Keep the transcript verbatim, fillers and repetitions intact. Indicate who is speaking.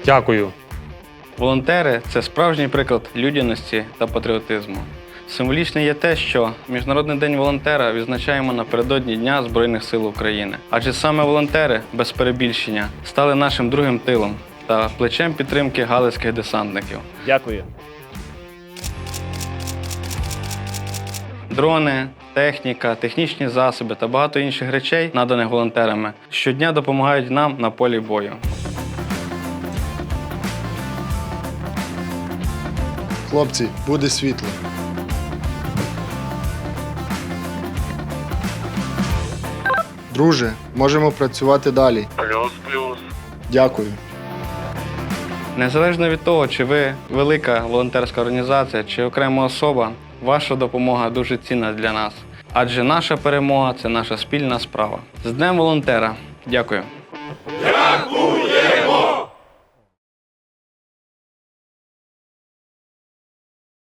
Speaker 1: Дякую.
Speaker 2: Волонтери – це справжній приклад людяності та патріотизму. Символічне є те, що Міжнародний день волонтера відзначаємо напередодні Дня Збройних сил України. Адже саме волонтери, без перебільшення, стали нашим другим тилом та плечем підтримки галицьких десантників.
Speaker 3: Дякую.
Speaker 2: Дрони, техніка, технічні засоби та багато інших речей, наданих волонтерами, щодня допомагають нам на полі бою.
Speaker 4: Хлопці, буде світло. Друже, можемо працювати далі.
Speaker 1: Плюс-плюс.
Speaker 4: Дякую.
Speaker 2: Незалежно від того, чи ви велика волонтерська організація, чи окрема особа, ваша допомога дуже цінна для нас. Адже наша перемога – це наша спільна справа. З Днем волонтера! Дякую!